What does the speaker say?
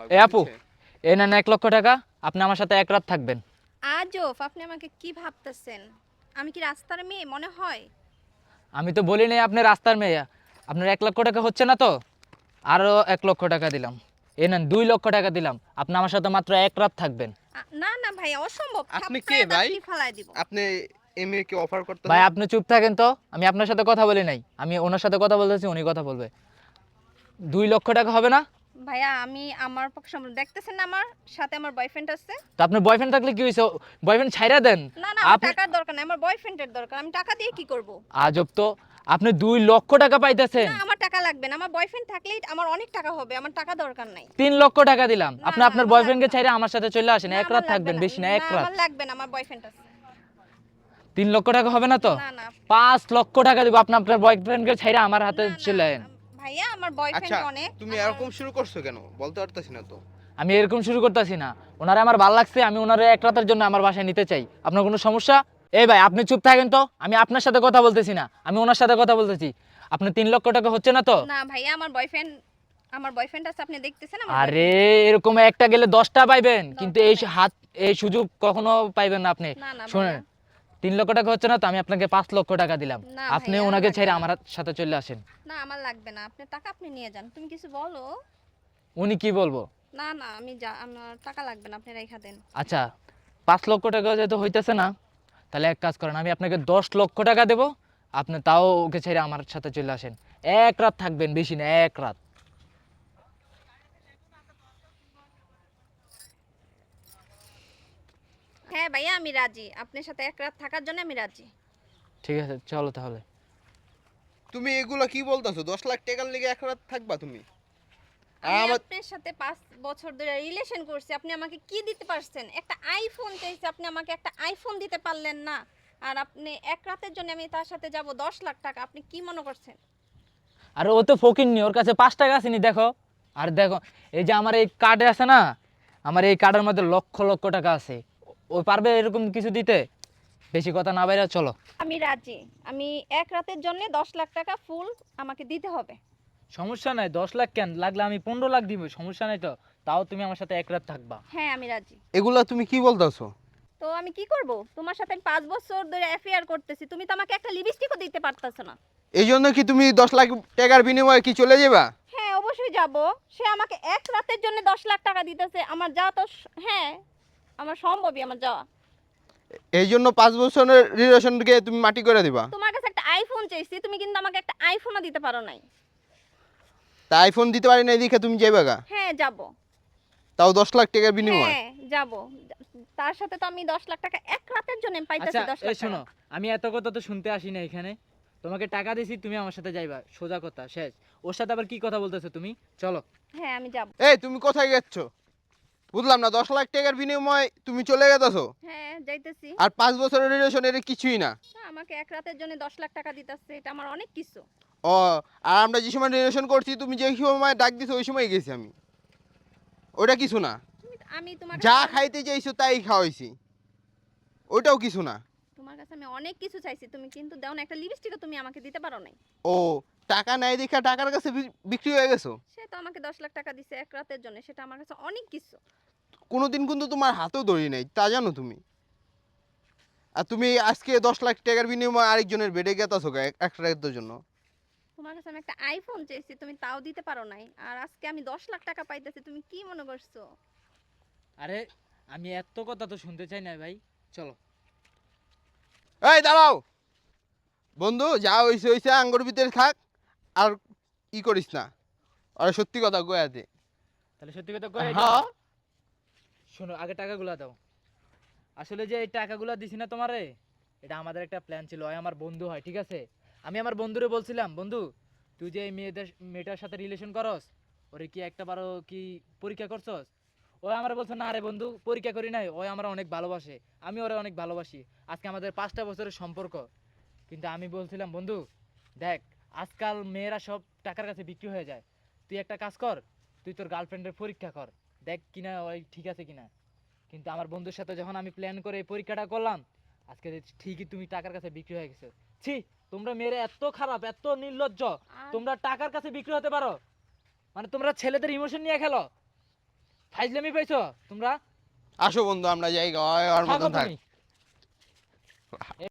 এ আপু, এই নেন 1 লক্ষ টাকা, আপনি আমার সাথে এক রাত থাকবেন। আজব, আপনি আমাকে কি ভাবতেছেন? আমি কি রাস্তার মেয়ে মনে হয়? আমি তো বলি নাই আপনি রাস্তার মেয়ে। আপনার 1 লক্ষ টাকা হচ্ছে না তো, আরও 1 লক্ষ টাকা দিলাম। এই নেন 2 লক্ষ টাকা দিলাম, আপনি আমার সাথে মাত্র এক রাত থাকবেন। না না ভাই, অসম্ভব, আপনি কে থাপ্পড়ে ভাই? দাঁতটি ফালাই দিব। আপনি এই মেয়েকে অফার ভাই করতেছেন? আপনি চুপ থাকেন তো, আমি আপনার সাথে কথা বলি নাই, আমি ওনার সাথে কথা বলতেছি, উনি কথা বলবে। 2 লক্ষ টাকা হবে না? ভাইয়া আমি আমার পক্ষে সম্ভব, দেখতেছেন না আমার সাথে আমার বয়ফ্রেন্ড আছে। তো আপনার বয়ফ্রেন্ড থাকলে কি হয়েছে, বয়ফ্রেন্ড ছাইরা দেন। না না, আমার আপনি টাকার দরকার নাই, আমার বয়ফ্রেন্ডের দরকার। আমি টাকা দিয়ে কি করব? আজব তো, আপনি 2 লক্ষ টাকা পাইতেছেন। না, আমার টাকা লাগবে না, আমার বয়ফ্রেন্ড থাকলেই আমার অনেক টাকা হবে, আমার টাকা দরকার নাই। 3 লক্ষ টাকা দিলাম, না আপনি না, আপনার আমার বয়ফ্রেন্ডকে লাগবে না। ছাইরা আমার সাথে চলে আসেন, না এক আমার রাত লাগবে থাকবেন, না, বেশি না, এক না রাত। আমার লাগবে না, আমার বয়ফ্রেন্ড আছে। 3 লক্ষ টাকা হবে না তো? না না 5 লক্ষ টাকা দিব, আপনি আপনার বয়ফ্রেন্ডকে ছাইরা আমার হাতে না না, চলে আসেন। ভাইয়া আমার আচ্ছা, বয়ফ্রেন্ড অনেক তুমি আমার। এরকম শুরু করছো কেন বলতে পারতেছি না তো। আমি এরকম শুরু করতেছি না, ওনারে আমার ভালো লাগছে, আমি ওনারে এক রাতের জন্য আমার বাসায় নিতে চাই। আপনার কোনো সমস্যা? এই ভাই আপনি চুপ থাকেন তো, আমি আপনার সাথে কথা বলতেছি না, আমি ওনার সাথে কথা বলতেছি। আপনি 3 লক্ষ টাকা হচ্ছে না তো? না ভাইয়া, আমার বয়ফ্রেন্ড আছে, আপনি দেখতেছেন আমার আরে boyfriend আছে। এরকম একটা গেলে 10টা পাইবেন, কিন্তু দরকার এই নাই। এই সুযোগ কখনো পাইবেন না আপনি। না না শুনেন, ভাইয়া। 3 লক্ষ টাকা হচ্ছে না তো, আমি আপনাকে 5 লক্ষ টাকা দিলাম, না আপনি ভাইয়া, ওনাকে লাগবে ছেড়ে না। আমার সাথে চলে আসেন। না আমার লাগবে না, আপনি টাকা আপনি নিয়ে যান, তুমি কিছু বলো। উনি কি বলবো? না না, আমার টাকা লাগবে না, আপনি রেখা দেন। আচ্ছা, 5 লক্ষ টাকা যেহেতু হইতেছে না, তাহলে এক কাজ করেন, আমি আপনাকে 10 লক্ষ টাকা দেবো, আপনি তাও ওকে ছেড়ে আমার সাথে চলে আসেন। এক রাত থাকবেন, বেশি না, এক রাত। হ্যাঁ ভাইয়া, আমি রাজি, আপনার সাথে এক রাত থাকার জন্য আমি রাজি। ঠিক আছে, চলো তাহলে। তুমি এগুলো কি বলতেছো? 10 লাখ টাকার লেগে এক রাত থাকবা তুমি? আর আমি আমার আপনার সাথে 5 বছর ধরে রিলেশন করছি, আপনি আমাকে কি দিতে পারছেন? একটা আইফোন চাইছি, আপনি আমাকে একটা আইফোন দিতে পারলেন না। আর আপনি এক রাতের জন্য আমি তার সাথে যাব 10 লাখ টাকা, আপনি কি মনে করছেন? আর ও তো ফকির নি, ওর কাছে 5 টাকা আসেনি, দেখো। আর দেখো, এই যে আমার এই কার্ডে আছে না, আমার এই কার্ডের মধ্যে লক্ষ লক্ষ টাকা আছে। ও পারবে এরকম কিছু দিতে? বেশি কথা না বাইরে, চলো। আমি রাজি, আমি এক রাতের জন্য 10 লাখ টাকা ফুল আমাকে দিতে হবে। সমস্যা নাই, 10 লাখ কেন, লাগলে আমি 15 লাখ দিব, সমস্যা নাই তো। তাও তুমি আমার সাথে এক রাত থাকবা। হ্যাঁ আমি রাজি। এগুলা তুমি কি বলতেছো? তো আমি কি করব? তোমার সাথে আমি 5 বছর ধরে অ্যাফেয়ার করতেছি, তুমি তো আমাকে একটা লিপস্টিকও দিতে পারতেছ না। এই জন্য কি তুমি 10 লাখ টাকার বিনিময়ে কি চলে যাবা? হ্যাঁ অবশ্যই যাব। সে আমাকে এক রাতের জন্য 10 লাখ টাকা দিতেছে, আমার যাওয়া তো হ্যাঁ আমার সম্ভবই আমার যাওয়া। এই জন্য 5 বছরের রিলেশনকে তুমি মাটি করে দিবা? তোমার কাছে একটা আইফোন চাইছি, তুমি কিন্তু আমাকে একটা আইফোনও দিতে পারো নাই। তা আইফোন দিতে পারি না দেখে তুমি যাইবা গা? হ্যাঁ যাব। তাও 10 লাখ টাকার বিনিময়ে? হ্যাঁ যাব। তার সাথে তো আমি 10 লাখ টাকা এক রাতের জন্য পাইতেছি। আচ্ছা 10 লাখ এই টাকা। শোনো, আমি এত কথা তো শুনতে আসি না এখানে। তোমাকে টাকা দিছি, তুমি আমার সাথে যাইবা, সোজা কথা শেষ। ওর সাথে আবার কি কথা বলতেছো তুমি? চলো। হ্যাঁ আমি যাব। এই তুমি কোথায় যাচ্ছ? বুঝলাম না, 10 লাখ টাকার বিনিময়ে তুমি চলে গেছো? হ্যাঁ যাইতেছি। আর 5 বছরের রিলেশন এটা কিছুই না। না, আমাকে এক রাতের জন্য 10 লাখ টাকা দিতেছে, এটা আমার অনেক কিছু। ও, আর আমরা যে সময় রিলেশন করছি তুমি যে সময় ডাক দিছো ওই সময় গেছি আমি। ওটা কিছু না। আমি তোমার যা কাছে খাইতে চাইছো তাই খাওয়াইছি, ওইটাও কিছু না। তোমার কাছে আমি অনেক কিছু চাইছি, তুমি কিন্তু দাও না, একটা লিপস্টিকও তুমি আমাকে দিতে পারো নাই। ও, টাকা নাই দেখা টাকার কাছে বিক্রি হয়ে গেছো? সে তো আমাকে 10 লাখ টাকা দিছে এক রাতের জন্য, সেটা আমার কাছে অনেক কিছু। কোনোদিন কিন্তু তোমার হাতেও ধরি নাই, তা জানো তুমি? আর তুমি আজকে 10 লাখ টাকার বিনিময়ে আরেকজনের বেডে গেতাছো এক রাতের জন্য। তোমার কাছে আমি একটা আইফোন চাইছি, তুমি তাও দিতে পারো নাই, আর আজকে আমি 10 লাখ টাকা পাইতেছি, তুমি কি মনে করছো? আরে আমি এত কথা তো শুনতে চাই না ভাই, চলো। এই দাঁড়াও বন্ধু, যা হইছে হইছে, আঙ্গুর ভিতরে থাক। আর ই করিস না, আর সত্যি কথা কয়ে দে। তাহলে সত্যি কথা কয়ে দিই। হ্যাঁ, শোনো, আগে টাকাগুলো দাও। আসলে যে এই টাকাগুলো দিছি না তোমারে, এটা আমাদের একটা প্ল্যান ছিল। ওই আমার বন্ধু হয়, ঠিক আছে? আমি আমার বন্ধুরে বলছিলাম, বন্ধু তুই যে এই মেয়েটার সাথে রিলেশন করস, ওরে কি একটা বারো কি পরীক্ষা করছস? ও আমার বলছে, না রে বন্ধু, পরীক্ষা করি নাই, ও আমার অনেক ভালোবাসে, আমি ওরে অনেক ভালোবাসি, আজকে আমাদের 5টা বছরের সম্পর্ক। কিন্তু আমি বলছিলাম, বন্ধু দেখ, আজকাল মেয়েরা সব টাকার কাছে বিক্রি হয়ে যায়, তুই একটা কাজ কর, তুই তোর গার্লফ্রেন্ডের পরীক্ষা কর, দেখ কিনা ওই ঠিক আছে কিনা। কিন্তু আমার বন্ধুর সাথে যখন আমি প্ল্যান করে এই পরীক্ষাটা করলাম, আজকে দেখছি ঠিকই তুমি টাকার কাছে বিক্রি হয়ে গেছো। ছি, তোমরা মেয়েরা এত খারাপ, এত নির্লজ্জ, আর তোমরা টাকার কাছে বিক্রি হতে পারো? মানে তোমরা ছেলেদের ইমোশন নিয়ে খেলো। ফাইজলামি পাইছো তোমরা? আসো বন্ধু আমরা যাই ওর থাকো মতন থাক তুমি।